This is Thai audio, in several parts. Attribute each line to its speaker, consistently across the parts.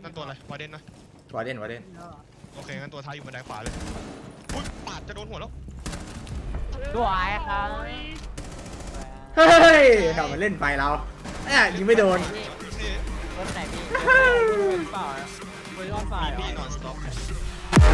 Speaker 1: นั่นตัวอะไรวาเดนนะ
Speaker 2: วาเดน
Speaker 1: โอเคงั้นตัวท้ายอยู่บันไดขวาเลยอุ้ยปาดจะโดนหัวแล้ว
Speaker 3: สวยครับ
Speaker 2: เฮ้ยทำมันเล่นไฟเรายิงไม่โดน
Speaker 3: รถไหนพี่เปล่าเวอร์ชันไฟ
Speaker 1: พี่นอนสต็อป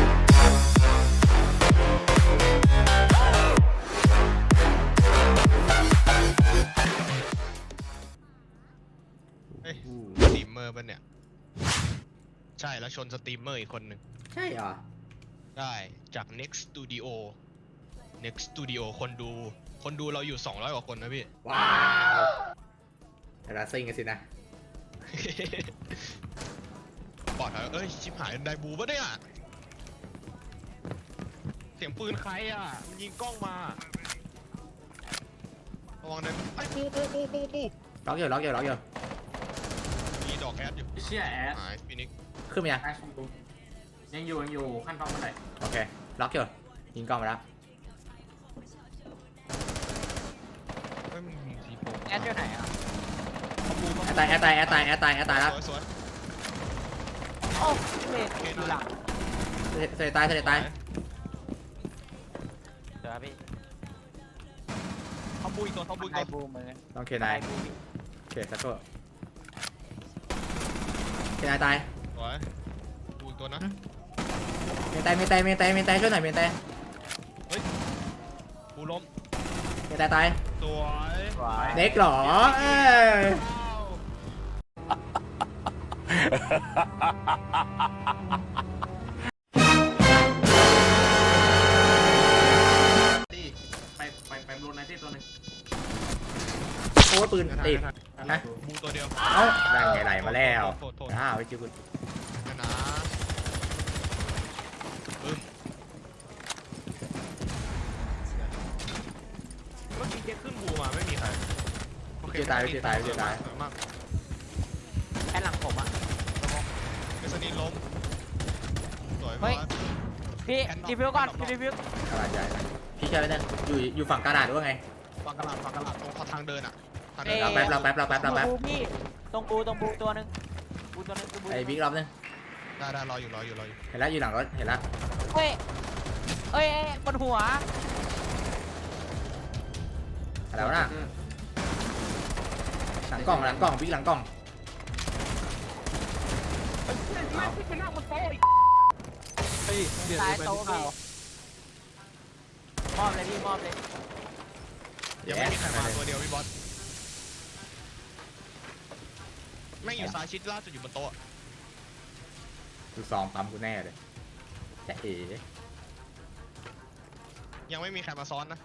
Speaker 1: เฮ้ยสตรีมเมอร์ป่ะเนี่ยใช่แล้วชนสตรีมเมอร์อีกคนหนึ่ง
Speaker 2: ใช่เหรอ
Speaker 1: ได้จาก Next Studio คนดูเราอยู่200กว่าคนนะพี่
Speaker 2: ว้าวแต่ละซิงกันสินะ
Speaker 1: ปลอดภัยเอ้ยชิบหายไดบูปะเนี่ยเสียงปืนใครอ่ะมันยิงกล้องมาระวังนะไอ้ปู
Speaker 2: ล็อกอยู่
Speaker 1: มีดอกแอดอยู่
Speaker 4: เชี่ยแอด
Speaker 1: หายฟินิก
Speaker 2: ขึ้นมายัง
Speaker 4: แอดยังอยู่ขั้นตอนบันได
Speaker 2: โอเคล็อกอยู่ยิงกล้องมาแล้ว
Speaker 1: เฮ้ยมันยิงสีโป่ง
Speaker 3: แอดอยู่ไหนอ่ะ
Speaker 2: แอตตายแล้ว
Speaker 1: สวย
Speaker 3: โอ้เมดอยู่หลัง
Speaker 2: เสด็จตาย
Speaker 3: เดี๋ยวพี่
Speaker 1: เขาบุยตัว
Speaker 3: ไอบูมือ
Speaker 2: ต้องเคนายเคสักตัวเคนายตาย
Speaker 1: สวยบุยตัวนะ
Speaker 2: เมนตายช่วยหน่อยเมนตาย
Speaker 1: บูล้ม
Speaker 2: เมนตายตาย
Speaker 1: สวย
Speaker 3: สวย
Speaker 2: เด็กเหรอ
Speaker 4: ไปโดนในที่ตัวหนึ่ง
Speaker 2: โอ้ปืนติดนะ
Speaker 1: บูตัวเดียว
Speaker 2: เอ้านั่นไงไหลมาแล้ว
Speaker 1: โทษ
Speaker 2: ไปจิ้วคุณ
Speaker 1: นะเมื่อกี้เจ๊ขึ้นบูมาไม่มีใครมาก
Speaker 3: แอดหลังผมอ่ะ
Speaker 1: เอสนีล้มสวย
Speaker 3: เฮ้
Speaker 1: มาย ก
Speaker 3: พี่รีวิวก่อนรีวิว
Speaker 2: กระดาษใหญ่พี่เชื่อไหมเนี่ยอยู่ฝั่งกระดาษด้วยไง
Speaker 1: ฟังกระลาดตรงเขาทางเดินอ่ะทาง
Speaker 2: เรา
Speaker 1: เดิน
Speaker 2: แป๊บ
Speaker 3: บูพี่ตรงบูตัวนึง
Speaker 2: ไอ้บิ๊กรอบนึง
Speaker 1: ได้รออยู่
Speaker 2: เห็นแล้วอยู่หลังรถเห็นแล้ว
Speaker 3: เฮ้ยบนหัว
Speaker 2: แล้วนะหลังกล้องบิ๊กหลังกล้อง
Speaker 3: ซ้ายโต๊ะพี่มอบเลยพี่มอบเลย
Speaker 1: ยังไม่มีใครมาตัวเดียวพี่บอสแม่งอยู่ซ้ายชิดล่าสุดอยู่บนโต๊ะ
Speaker 2: ดูซองปั๊มกูแน่เลยจะเอ๋
Speaker 1: ยังไม่มีใครมาซ้อนนะ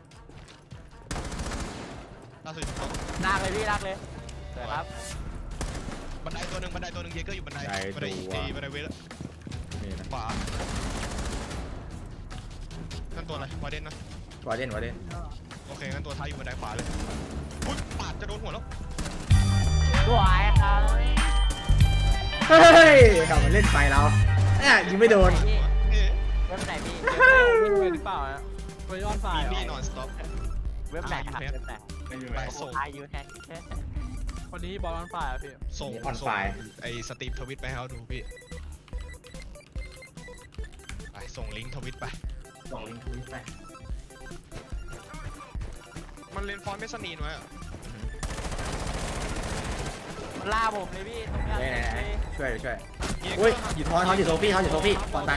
Speaker 1: ล่าสุดอยู่บนโต๊ะ
Speaker 3: ลากเลยพี่ลากเลยสวยครับ
Speaker 1: บันไดตัวหนึ่งเยเกอร์อยู่บันไดบันไดเวท
Speaker 2: นี่นะ
Speaker 1: ขวานั่นตัวอะไรวาเดนนะ
Speaker 2: วาเดน
Speaker 1: โอเคงั้นตัวท้ายอยู่บันไดขวาเลยอุ้ยปาดจะโดนหัวแล้ว
Speaker 3: สวยครับ
Speaker 2: เฮ้ยทำมันเล่นไฟเรายิงไม่โดน
Speaker 3: เว็บไหนพี่เว็บเปล่าเวอร์ชันไฟ
Speaker 1: พี่นอนสต็อป
Speaker 3: เว็บไหนครับเว็บไหน
Speaker 4: ไม่อยู่
Speaker 1: ไป
Speaker 4: ไหน
Speaker 1: ส่ง
Speaker 3: ไอยูแฮกวันนี้บอลออนไฟอ่ะพี่
Speaker 1: ส่งไอสตรีมทวิตไปให้เขาดูพี่ไปส่งลิงก์ทวิตไป
Speaker 4: ส่งลิงก์ทวิตไป
Speaker 1: มันเล่นฟอนต์ไม่สนีนไว้อะ
Speaker 3: ล่าผมเลยพี่ตรงนี้
Speaker 2: ไหนช่วย
Speaker 1: เยเก
Speaker 2: อุ้ย
Speaker 1: อร์
Speaker 2: อยู่ทอนอยู่โซฟี่ตอนตาย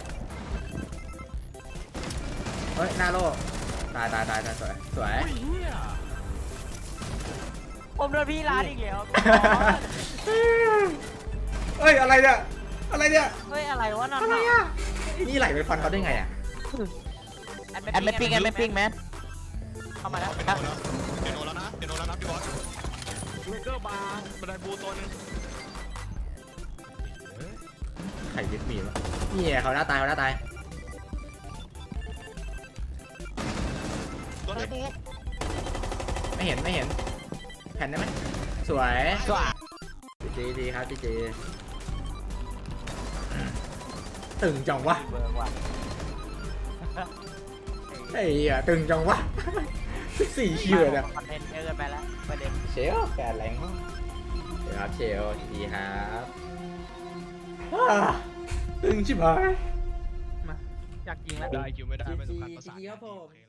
Speaker 2: เฮ้ยหน้าโล่ตายสวย
Speaker 3: ผมโดนพี่ร้านอีกแล้ว
Speaker 2: เฮ้ยอะไรเนี่ย
Speaker 3: เฮ้ยอะไรวะนั่นน่ะ
Speaker 2: นี่ไหลไปฟันเขาได้ไงอ่ะ
Speaker 3: แอดไม่ปิ้งแมนเข้ามาแล้ว
Speaker 1: เดี๋ยวโดนแล้วนะพี่บอสเยเกอร์บาร์บันไดบูตัวนึง
Speaker 2: ไข่ยึดมีดวะนี่เขาหน้าตาย
Speaker 1: ตัวไดบู
Speaker 2: ไม่เห็นแผ่นได้ไหมสวยดีครับพี่เจตึงจังวะ
Speaker 3: เบอร์ว่ะ
Speaker 2: ไอ้เหี้ยตึงจังวะ4 คิวเลย
Speaker 3: คอนเทนต์เยอะไปแล้วประเด็น
Speaker 2: เชลแฟนแรงมากเชลดีครับตึงชิบหาย
Speaker 3: อยากยิงแล้ว
Speaker 1: ได้คิวไม่ได้ไม่สำคัญภาษา
Speaker 2: GG ครับผม
Speaker 1: โอเค